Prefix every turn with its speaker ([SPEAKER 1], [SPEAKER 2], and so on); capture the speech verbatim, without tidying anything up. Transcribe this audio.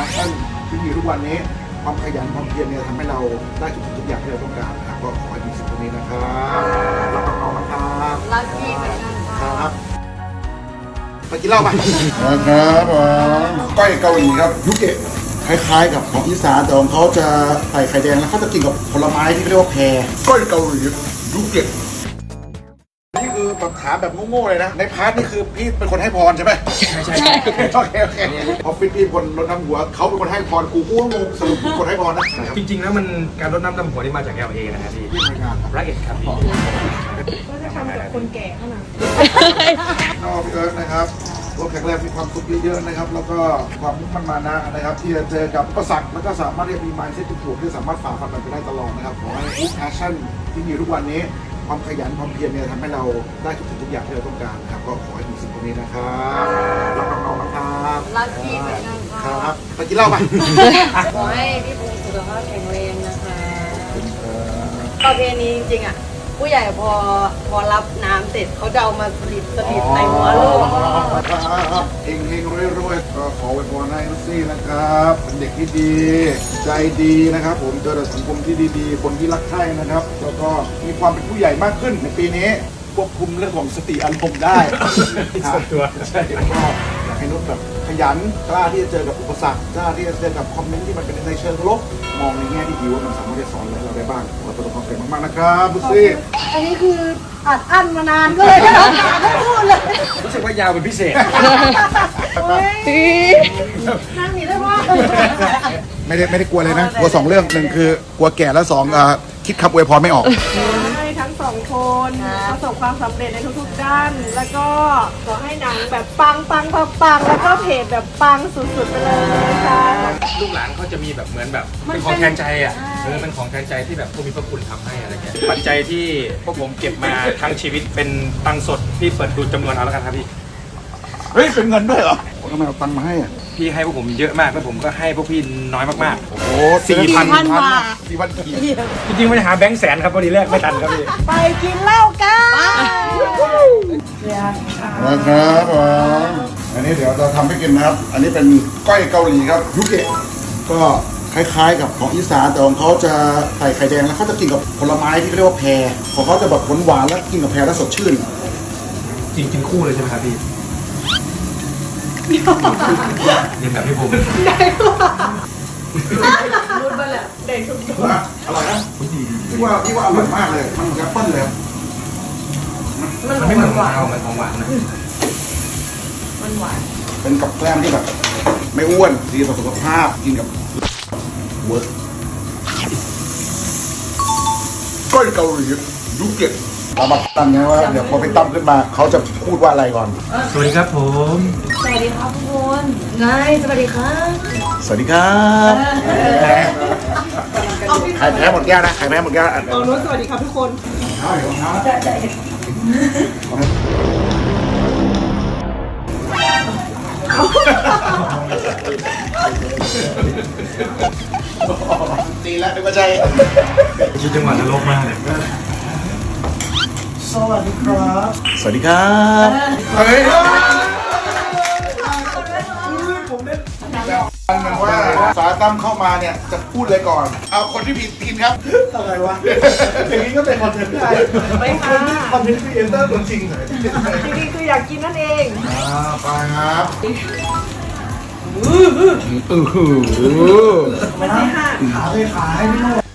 [SPEAKER 1] พชชั่นที่มีทุกวันนี้ความขยันความเพียรเนี่ยทำให้เราได้ทุกสิ่งทุกอย่างที่เราต้องการนะครับก็ขอให้มีสิ่งตรงนี้นะครับรักน้องๆนะครับ
[SPEAKER 2] รักพี่เหมือนกัน
[SPEAKER 1] ครับไปกินเหล้าไปนะครับผมก้อยเกาหลีครับยุเกะคล้ายๆกับของอีสานแต่ของเขาจะใส่ไข่แดงแล้วเขาจะกินกับผลไม้ที่เรียกว่าแพรก้อยเกาหลียุเกะนี่คือแบบถามแบบโง่ๆเลยนะในพาร์ทนี่คือพี่เป็นคนให้พรใช่ไหมใช่ใช่โอเคโอเคโอเคพอฟิตพี่คนรดน้ำหัวเขาเป็นคนให้พรกูกูก็งงสรุปกูคนให้พรนะ
[SPEAKER 3] จริงๆแล้วมันการรดน้ำดำหัวนี่มาจาก แอล เอ นะครับพี่
[SPEAKER 1] ที่ทำงานครับ
[SPEAKER 3] รักเอ็ดครับพี่
[SPEAKER 2] ก็จะทำกับคนแก่เท่านั้น
[SPEAKER 1] นอกพี่เอิร์ธนะครับตัวแข็งแรงมีความสุขเยอะๆนะครับแล้วก็ความมุ่งมั่นมานะนะครับที่จะเจอกับอุปสรรคแล้วก็สามารถที่จะมี mindset ที่ถูกที่สามารถฝ่าฟันมันไปได้ตลอดนะครับขอให้ passion ที่มีทุกวันนี้ความขยันความเพียรเนี่ยทำให้เราได้ทุกสิ่งทุกอย่างที่เราต้องการนะครับก็ขอให้มีสิ่งตรงนี้นะครับรักน้องๆนะครับ
[SPEAKER 2] รักพี่เหมือนกัน
[SPEAKER 1] ครับไปกินเหล้าไป
[SPEAKER 2] ขอให้พี่พงศ์สุขภาพแข็งแรงนะคะประเพณีจริงๆอ่ะผู้ใหญ่พอพอรับน้ำเสร็จเขาจะเอามาสลิดสลิดในหัวลูก
[SPEAKER 1] เฮงเฮงรวยรวยก็ขอไว้พรให้นุซี่นะครับเป็นเด็กที่ดีใจดีนะครับผมเจอแต่สังคมที่ดีๆคนที่รักใคร่นะครับแล้วก็มีความเป็นผู้ใหญ่มากขึ้นในปีนี้ควบคุมเรื่องของสติอารมณ์ได้
[SPEAKER 3] ตัว
[SPEAKER 1] ใช่ก็อยากให้นุชแบบขยันกล้าที่จะเจอกับอุปสรรคกล้าที่จะเจอกับคอมเมนต์ที่มันเป็นในเชิงลบมองในแง่ที่ดีว่ามันสามารถจะสอนอะไรเราได้บ้างขอประสบความสำเร็จมากๆนะครับนุซี่
[SPEAKER 2] อันนี้คืออัดอั้นมานานก็เลยไม่ต้องการให้พูดเลย
[SPEAKER 3] รู้สึกว่ายาวเป็นพิเศษ
[SPEAKER 2] นั่งหนีได้ว่า
[SPEAKER 1] ไม่ได้ไม่ได้กลัวเลยนะกลัวสองเรื่องหนึ่งคือกลัวแก่แล้วสองคิดคำอวยพรไม่ออก
[SPEAKER 4] ให้ทั้งสองคนประสบความสำเร็จในทุกๆด้านแล้วก็ขอให้หนังแบบปังปังปังปังแล้วก็เพจแบบปังสุดๆไปเลยค่ะ
[SPEAKER 3] ลูกหลานเขาจะมีแบบเหมือนแบบเป็นของแทนใจอ่ะเออเป็นของแทนใจที่แบบผู้มีพระคุณทำให้อะไรเงี้ยปัจจัยที่พวกผมเก็บมาทั้งชีวิตเป็นตังค์สดที่เปิดดูจำนวนเอาแล้วกันครับพี่
[SPEAKER 1] เฮ้ยเป็นเงินด้วยเหรอทำไมเอาตังค์มาให้อ่ะ
[SPEAKER 3] พี่ให้พวกผมเยอะมากแล้วผมก็ให้พวกพี่น้อยมากๆ
[SPEAKER 1] โอ้โห
[SPEAKER 3] สี่พัน
[SPEAKER 2] บาท
[SPEAKER 1] สี่พันกี่
[SPEAKER 3] จริงๆไม่ได้หาแบงค์แสนครับพอดีแรกไม่ทันครับพี่
[SPEAKER 4] ไปกินเหล้ากัน
[SPEAKER 1] นะครับผมอันนี้เดี๋ยวเราทำให้กินนะครับอันนี้เป็นก้อยเกาหลีครับยุเกะก็คล้ายๆกับของอีสานแต่ของเขาจะใส่ไข่แดงแล้วเขาจะกินกับผลไม้ที่เรียกว่าแพรของเขาจะแบบหวานๆแล้วกินกับแพรแล้วสดชื่น
[SPEAKER 3] จริงกินคู่เลยใช่ไหมครับพี่เรียนแบบพี่ผม
[SPEAKER 4] ได้รุ่นไปแหละเด็กทุกคน
[SPEAKER 1] อร่อยนะพี่ว่าพี่ว่าอร่อยมากเลยมันแอปเปิ้ลเลย
[SPEAKER 3] มันไม่เหมือนหวานเหมือนของหวานนะ
[SPEAKER 4] มันหวาน
[SPEAKER 1] เป็นกับแกล้มที่แบบไม่อ้วนดีต่อสุขภาพกินกับเวิร์กก้อยเกาหลียุเกะเรามาตั้งไงว่าเดี๋ยวพอไปตั้มขึ้นมาเขาจะพูดว่าอะไรก่อน
[SPEAKER 3] สวัสดีครับผม
[SPEAKER 2] สวัสดีครับทุกคนนายสวัสดีครับ
[SPEAKER 1] สวัสดีครับใครแพ้หมดแก้วนะใครแพ้หมดแก้ว
[SPEAKER 4] เอาโน้ตสวัสดีครับทุกคน
[SPEAKER 1] ใช่ของเขาตีแล้วเป็นปัจจัย
[SPEAKER 3] ชื่อจังหวัดนรกมากเลย
[SPEAKER 1] สวัสดีครับสวัสดีครับเฮ้ยผมเล่นมันว่าสาตั้มเข้ามาเนี่ยจะพูดเลยก่อนเอาคนที่ผิดกินครับ
[SPEAKER 4] อะไรวะอย่างนี้ก็เป็นคอนเทนต์ได้ไม่ค่ะคอนเทนต์ครีเอเตอร์ตัวจริงเลยจริงๆคืออยากกินนั่นเอง
[SPEAKER 1] อ่าไปครับ
[SPEAKER 4] อืออืออือ
[SPEAKER 1] อือ
[SPEAKER 4] ไม่ใช่ค่ะขาเลยขาให้ไม่หมด